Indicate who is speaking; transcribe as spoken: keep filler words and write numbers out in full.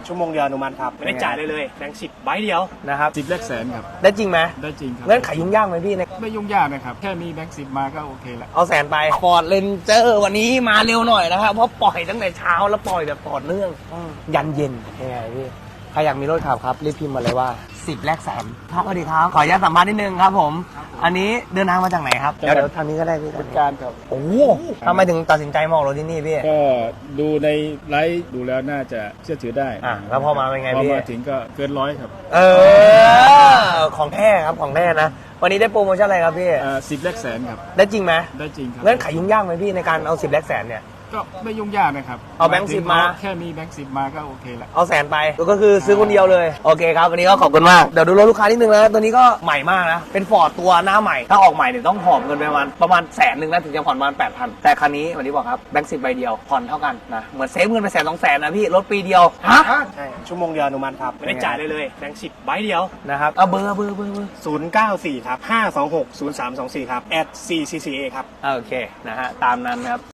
Speaker 1: ชั่วโมงเดียวอนุมัติครับไม่ได้จ่ายเลยเลยแบงค์สิบใบเดียว
Speaker 2: นะครับ
Speaker 3: สิบแรกแสนครับ
Speaker 2: ได้จริงไหม
Speaker 3: ได้จริงครับ
Speaker 2: เงื่อนไขยุ่งยากไหมพี่ใน
Speaker 3: ไม่ยุ่งยากนะครับแค่มีแบงค์สิบมาก็โอเคละ
Speaker 2: เอาแสนไปฟอร์ดเรนเจอร์วันนี้มาเร็วหน่อยนะครับเพราะปล่อยตั้งแต่เช้าแล้วปล่อยแบบต่อเนื่องยันเย็นยังไงพี่ใครอยากมีรถขับครับรีบพิมพ์มาเลยว่าสิบแรกแสนครับสวัสดีครับขออนุญาตสัมภาษณ์นิดนึงครับผมอันนี้เดินทางมาจากไหนครับเดี๋ยวเดี๋ยวทางนี้ก็ได้พี่
Speaker 3: บริการครับ
Speaker 2: โอ้ทำไมถึงตัดสินใจมาออกรถที่นี่พี่
Speaker 3: ก็ดูในไลฟ์ดูแล้วน่าจะเชื่อถือได้
Speaker 2: อ่ะแล้วพอมาเป็นไง
Speaker 3: พอ
Speaker 2: พี่
Speaker 3: มาถึงก็เกินร้อยครับ
Speaker 2: เออของแท้ครับของแท้นะวันนี้ได้โปรโมชั่นอะไรครับพี่
Speaker 3: สิบแรกแสนครับ
Speaker 2: ได้จริงไหม
Speaker 3: ได้จริงครับ
Speaker 2: เงื่อนไขยุ่งยากไหมพี่ในการเอาสิบแรกแสนเนี่ย
Speaker 3: ก็ไม่ยุ่งยากนะครับ
Speaker 2: เอาแบงค์สิบมา
Speaker 3: แค่มีแบงค์สิบมาก็โอเคละ
Speaker 2: เอาแสนไปก็คือซื้อคนเดียวเลยโอเคครับวันนี้ก็ขอบคุณมากเดี๋ยวดูรถลูกค้านิดนึงนะตัวนี้ก็ใหม่มากนะเป็นฟอร์ดตัวหน้าใหม่ถ้าออกใหม่เนี่ยต้องหอบเงินไปประมาณประมาณแสนหนึ่งนะถึงจะผ่อนประมาณแปดพันแต่คันนี้วันนี้บอกครับแบงค์สิบใบเดียวผ่อนเท่ากันนะเหมือนเซฟเงินไปแสนสองแสนนะพี่รถปีเดียวฮะ
Speaker 1: ใช่ชั่วโมงเดียวอนุมัติครับไม่ได้จ่ายเลยเลยแบงค์สิบใบเดียว
Speaker 2: นะครับเอาเบอร์เบอร์เบอร์เบอร์
Speaker 1: ศูนย์เก้าสี่ครับห้าสองหกศูนย์สามสองสี่ครับ แอท ซี ซี ซี เอ ครับ
Speaker 2: โอเคนะฮะตามนั้นครับ